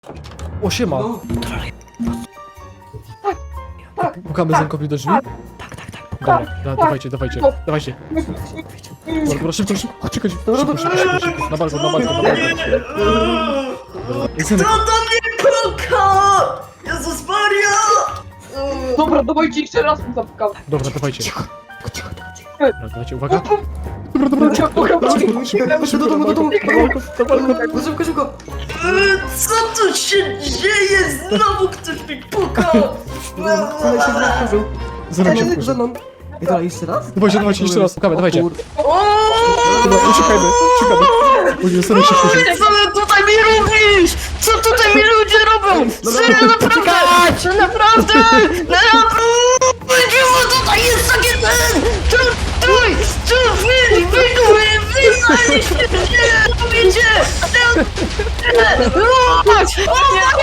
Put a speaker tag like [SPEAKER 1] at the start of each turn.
[SPEAKER 1] O, siema.
[SPEAKER 2] No.
[SPEAKER 1] Pukamy zamkowi do drzwi? Dobra, dawajcie. Dobra, szybko. Czekaj, szybko. Na balkon. Dobra, Zenek,
[SPEAKER 3] Kto do mnie puka? Jezus Maria!
[SPEAKER 2] Dobra, dawajcie jeszcze raz mu zapukam.
[SPEAKER 1] dobra, dawajcie. Dobra, dawajcie, uwaga. Dobra, szybko, na balkon.
[SPEAKER 2] Szybko.
[SPEAKER 3] Co tu się dzieje? Znowu ktoś mi puka!
[SPEAKER 1] Zenek się wkurzy.
[SPEAKER 4] I dalej jeszcze raz?
[SPEAKER 1] Dawajcie, jeszcze raz, pukamy, dawajcie.
[SPEAKER 4] Kur-
[SPEAKER 1] Dobra, uciekajmy. O nie, Zenek się wkurzy.
[SPEAKER 3] Co ty tutaj mi robisz? Co tutaj mi ludzie robią? Serio, naprawdę! Naprawdę! Naprawdę! Tutaj jest takie ten! Wy znaleźliście! Nie robicie!